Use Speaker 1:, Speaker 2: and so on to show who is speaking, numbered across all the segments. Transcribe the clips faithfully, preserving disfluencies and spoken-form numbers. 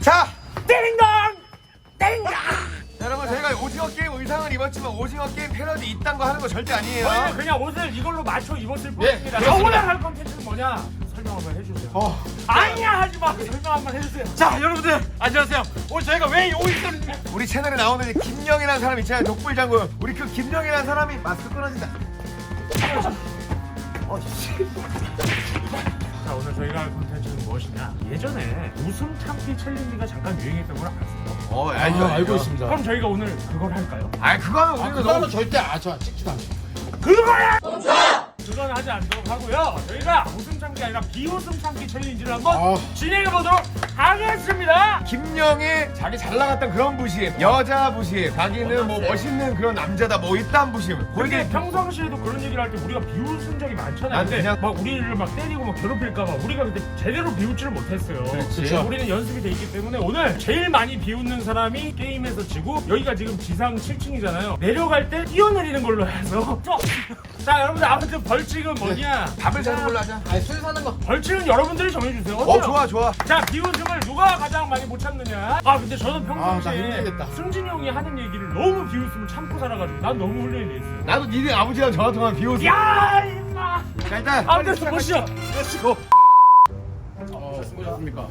Speaker 1: 자,
Speaker 2: 띵동! 띵동!
Speaker 1: 여러분 저희가 오징어 게임 의상을 입었지만 오징어 게임 패러디 이딴 거 하는 거 절대 아니에요.
Speaker 2: 저희는 그냥 옷을 이걸로 맞춰 입었을
Speaker 1: 예,
Speaker 2: 뿐입니다.
Speaker 1: 그렇습니다.
Speaker 2: 오늘 할 컨텐츠는 뭐냐? 설명 한번 해주세요.
Speaker 1: 어.
Speaker 2: 아니야 하지 마. 설명 한번 해주세요.
Speaker 3: 자 여러분들 안녕하세요. 오늘 저희가 왜 여기 있었는지
Speaker 1: 우리 채널에 나오는 이 김영이라는 사람 있잖아요. 독불장군. 우리 그 김영이라는 사람이 마스크 끊어진다. 어, 씨.
Speaker 2: 자 오늘 저희가 할 컨텐츠는 무엇이냐? 예전에 웃음 참기 챌린지가 잠깐 유행했던 걸 알았어요.
Speaker 1: 어,
Speaker 3: 아,
Speaker 1: 알죠,
Speaker 3: 알고 있습니다.
Speaker 2: 그럼 저희가 오늘 그걸 할까요?
Speaker 1: 아, 그거는 우리가
Speaker 3: 그거는
Speaker 1: 너무
Speaker 3: 절대 아저 찍지도 않아요.
Speaker 2: 그거야! 그건 하지 않도록 하고요. 저희가 웃음 참기 아니라 비웃음 참기 챌린지를 한번
Speaker 3: 아.
Speaker 2: 진행해 보도록 하겠습니다.
Speaker 1: 김영의 자기 잘 나갔던 그런 부심, 여자 부심, 자기는 뭐 멋있는 그런 남자다, 뭐 이딴 부심.
Speaker 2: 근데
Speaker 1: 거기에
Speaker 2: 평상시에도 그런 얘기를 할 때 우리가 비웃은 적이 많잖아요.
Speaker 1: 난
Speaker 2: 근데
Speaker 1: 그냥-
Speaker 2: 막 우리를 막 때리고 막 괴롭힐까봐 우리가 그때 제대로 비웃지를 못했어요.
Speaker 1: 그렇지.
Speaker 2: 우리는 연습이 돼 있기 때문에 오늘 제일 많이 비웃는 사람이 게임에서 지고 여기가 지금 지상 칠 층이잖아요. 내려갈 때 뛰어내리는 걸로 해서 자 여러분들 아무튼 벌칙은 뭐냐?
Speaker 1: 밥을 사는 걸로 하자.
Speaker 3: 아니 술 사는 거.
Speaker 2: 벌칙은 여러분들이 정해주세요.
Speaker 1: 어,
Speaker 2: 어때요?
Speaker 1: 좋아, 좋아.
Speaker 2: 자 비웃음을 누가 가장 많이 못 참느냐? 아 근데 저는
Speaker 3: 아, 나
Speaker 2: 평상시에
Speaker 3: 힘들겠다.
Speaker 2: 승진이 형이 하는 얘기를 너무 비웃음을 참고 살아가지고 난 너무 훈련이 돼 있어요.
Speaker 1: 나도 니네 아버지랑 전화 통화 비웃어.
Speaker 2: 야 임마!
Speaker 1: 자, 일단.
Speaker 2: 아무튼 보시죠.
Speaker 1: 렛츠고.
Speaker 3: 어 수고하셨습니까?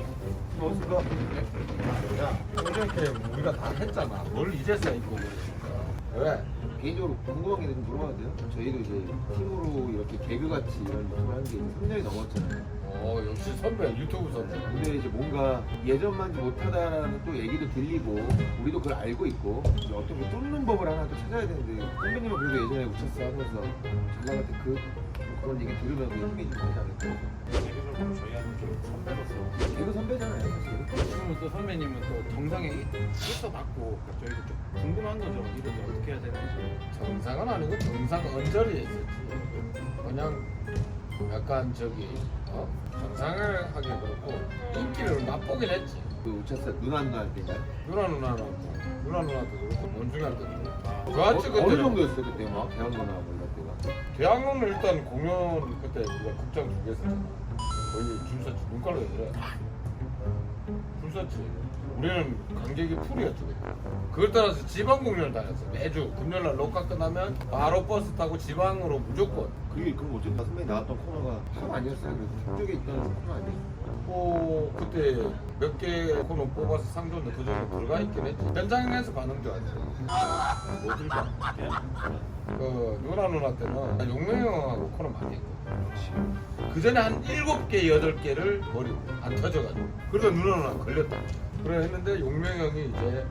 Speaker 4: 이렇게 우리가 다 했잖아. 뭘 이제서야 입고 왜?
Speaker 5: 개인적으로 궁금한 게 좀 물어봐도 돼요? 저희도 이제 팀으로 이렇게 개그같이 이런 유튜브를 한 게 삼 년이 넘었잖아요.
Speaker 4: 어 역시 선배 유튜브 선배.
Speaker 5: 근데 이제 뭔가 예전만지 못하다라는 또 얘기도 들리고 우리도 그걸 알고 있고 이제 어떻게 뚫는 법을 하나 또 찾아야 되는데 선배님은 그래도 예전에 우차스 하면서 잘 나갈 때 그 그런 얘기 들으면 그 힘이 좀 되지 않을까?
Speaker 2: 개인적으로 저희한테 좀 선배로서
Speaker 5: 개그 선배잖아요 사실.
Speaker 3: 지금은 또 선배님은 또 정상에 있어 봤고 저희도 좀 궁금한 거죠. 이렇게 어떻게 해야 되는지.
Speaker 4: 정상은 아니고 정상 언저리에 있었지. 그냥 약간 저기 어? 정상을 하긴 그렇고 인기를 맛보긴 했지.
Speaker 5: 그 우차스 누나 누나 할 때인가요?
Speaker 4: 누나 누나는 누나 누나도 그렇고 원중이한테도 그렇고.
Speaker 5: 어,
Speaker 4: 좋았지
Speaker 5: 어느
Speaker 4: 그때.
Speaker 5: 정도였어요 그때 막 대학로나 뭐 이럴 때가?
Speaker 4: 대학로는 일단 공연 그때 우리가 극장 두 개 썼잖아. 거의 줄 섰지. 눈깔로 그래. 줄 섰지. 우리는 관객이 풀이었지. 그때. 그걸 따라서 지방 공연을 다녔어. 매주 금요일날 녹화 끝나면 바로 버스 타고 지방으로 무조건.
Speaker 5: 그게 그럼 어쨌든 선배님 나왔던 코너가 하나 아니었어요? 그래서 쪽에 있던 코너 아니에요?
Speaker 4: 뭐 그때 몇 개 코너 뽑아서 상 줬는데 그 중에 들어가 있긴 했지. 현장에서 반응 좋았지. 뭐 들까? 그 누나 누나 때는 용명이 형하고 코너 많이 했고 그 전에 한 일곱 개 여덟 개를 버리고 안 터져가지고 그러다 누나 누나 걸렸다. 그래 했는데 용명이 형이 이제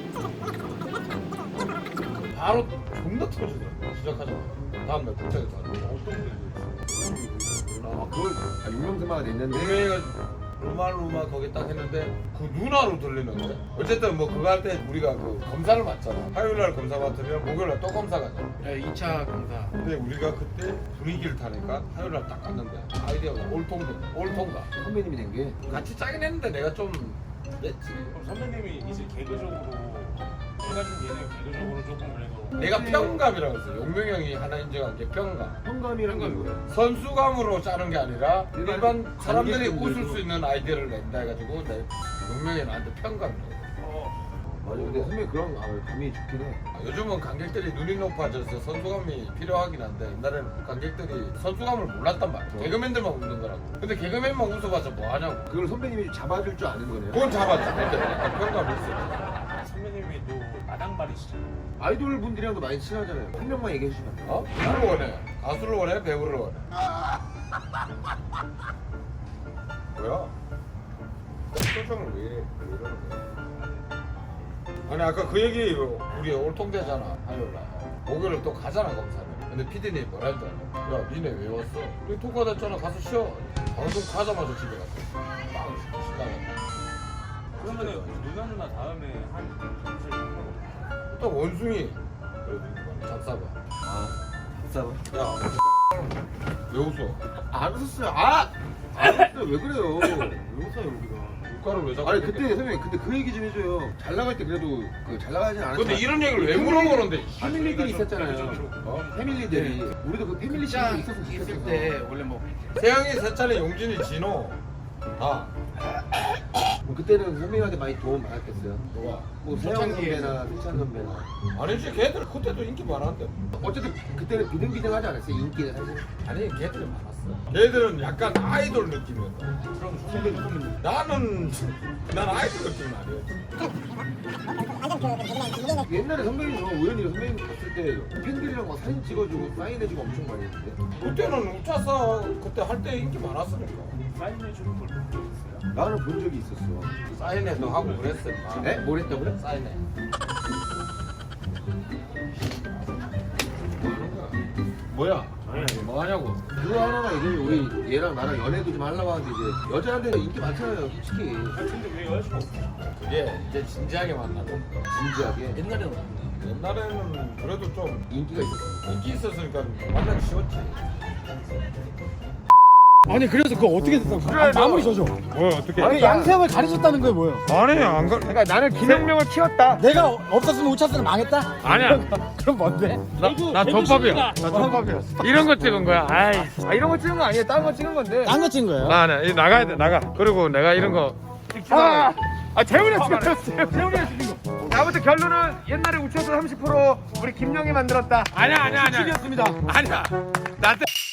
Speaker 4: 바로 존나 터지더라고. 시작하자마자 다음날 극장에서 어떤 일이 있어.
Speaker 5: 아 그걸 아, 유명세마가 냈는데
Speaker 4: 용명이가 루마루마 거기 딱 했는데 그 누나로 들리는데 어쨌든 뭐 그거 할 때 우리가 그 검사를 맞잖아. 화요일날 검사 맡으면 목요일날 또 검사 가잖아.
Speaker 3: 네, 이 차 검사.
Speaker 4: 근데 우리가 그때 분위기를 타니까 화요일날 딱 갔는데 아이디어가 올통돼. 올통가.
Speaker 5: 선배님이 낸 게
Speaker 4: 같이 짜긴 했는데 내가 좀 냈지.
Speaker 2: 그럼 선배님이 이제 개그적으로 제가 좀 얘네가 개그적으로 조금 그래도
Speaker 4: 내가 평감이라고 했어. 용명이 형이 하나 인정한 게 평감.
Speaker 5: 현감이란 게 뭐예요?
Speaker 4: 선수감으로 짜는 게 아니라
Speaker 5: 일반
Speaker 4: 일반 사람들이
Speaker 5: 관객분들도-
Speaker 4: 웃을 수 있는 아이디어를 낸다 해가지고 내 용명이 나한테 평감이라고.
Speaker 5: 맞아 근데 선배님 그런 아, 감이 좋긴 해.
Speaker 4: 아, 요즘은 관객들이 눈이 높아져서 선수감이 필요하긴 한데 옛날에는 관객들이 선수감을 몰랐단 말이야. 개그맨들만 웃는 거라고. 근데 개그맨만 웃어봐서 뭐 하냐고.
Speaker 5: 그걸 선배님이 잡아줄 줄 아는 거네요.
Speaker 4: 그건 잡았지. 근데 약간 평감이 있어.
Speaker 2: 선배님이 또 마당발이시잖아요.
Speaker 5: 아이돌 분들이랑도 많이 친하잖아요. 한 명만 얘기해 주시면 안 돼요?
Speaker 4: 어? 누구를 원해? 가수를 원해? 배우를 원해? 뭐야? 표정을 왜 이래? 왜 이러는 거야? 아니 아까 그 얘기 우리 올통되잖아 화요일날 목요일에 또 가잖아 검사를. 근데 피디님이 뭐라 했더라. 야 니네 왜 왔어? 우리 통과됐잖아 가서 쉬어. 방송 가자마자 집에 갔어. 빵 신나게.
Speaker 2: 그러면은 누나 누나 다음에 한 잠실 하고
Speaker 4: 또 원숭이 그래도 이거 잡사봐.
Speaker 5: 아 잡사봐.
Speaker 4: 야왜 웃어?
Speaker 5: 안 웃었어요. 아! 안 웃었어요. 왜 그래요? 왜 웃어요 우리가?
Speaker 4: 물가를 왜 자꾸
Speaker 5: 아니
Speaker 4: 이렇게-
Speaker 5: 그때 선배님 근데 그 얘기 좀 해줘요. 잘 나갈 때 그래도 그 잘 나가진 않았지만
Speaker 4: 근데 이런 얘기를 왜
Speaker 5: 패밀리-
Speaker 4: 물어보는데?
Speaker 5: 패밀리들이 있었잖아요.
Speaker 4: 어?
Speaker 5: 패밀리들이 우리도 그 패밀리
Speaker 3: 자
Speaker 5: 시간이 있었으면
Speaker 3: 있을
Speaker 5: 좋겠어서.
Speaker 3: 때 원래 뭐
Speaker 4: 세영이, 세찬이, 용진이, 진호 다
Speaker 5: 뭐 그때는 선배님한테 많이 도움 받았겠어요.
Speaker 4: 누가?
Speaker 5: 뭐 세영 선배나 승찬 선배나.
Speaker 4: 아니지 걔들 그때도 인기 많았는데.
Speaker 5: 어쨌든 그때는 비등비등하지 않았어요. 인기는 사실.
Speaker 4: 아니 걔들은 많았어. 걔들은 약간 아이돌 느낌이었다.
Speaker 3: 그럼 선배님 선배님.
Speaker 4: 나는 난 아이돌 느낌은 아니었지.
Speaker 5: 옛날에 선배님 저 우연히 선배님 봤을 때 팬들이랑 막 사진 찍어주고 사인해주고 엄청 많이 했는데.
Speaker 4: 그때는 우차사 그때 할 때 인기 많았으니까.
Speaker 2: 사인해주는 걸 본 적 있어요?
Speaker 5: 나는 본 적이 있었어.
Speaker 4: 사인회도 하고 그랬어.
Speaker 5: 네? 뭘 했다고요?
Speaker 4: 사인회. 뭐야? 뭐 하냐고?
Speaker 5: 그거 하나가 이제 우리 얘랑 나랑 연애도 좀 하려고 하는데 이제 여자한테는 인기 많잖아요, 솔직히.
Speaker 2: 근데 왜 여자친구 없어?
Speaker 4: 그게 이제 진지하게 만나고.
Speaker 5: 진지하게.
Speaker 3: 옛날에는
Speaker 4: 옛날에는 그래도 좀
Speaker 5: 인기가 있었어.
Speaker 4: 인기 있었으니까 만나기 쉬웠지.
Speaker 3: 아니 그래서 그거 어떻게 됐다고?
Speaker 1: 그래, 너-
Speaker 3: 마무리 줘줘.
Speaker 1: 뭐 어떻게?
Speaker 3: 아니 양세형을 가르쳤다는 거예요 뭐예요?
Speaker 1: 아니 안 가. 그러니까 나는 기능명을 키웠다.
Speaker 3: 내가 없었으면 우차스는 망했다?
Speaker 1: 아니야.
Speaker 3: 그럼 뭔데?
Speaker 1: 나 덮밥이야. 나 덮밥이었어. 이런 거 찍은 거야. 아이. 아 이런 거 찍은 거 아니야. 다른 거 찍은 건데.
Speaker 3: 딴 거 찍은 거예요?
Speaker 1: 나, 나, 이 나가야 돼, 나가. 그리고 내가 이런 거. 아, 아 재훈이가 찍었어요. 재훈이가 찍은 거. 아무튼 결론은 옛날에 우차사 삼십 퍼센트 우리 김영이 만들었다. 아니야, 아니야, 아니야.
Speaker 3: 였습니다
Speaker 1: 아니야. 나한테.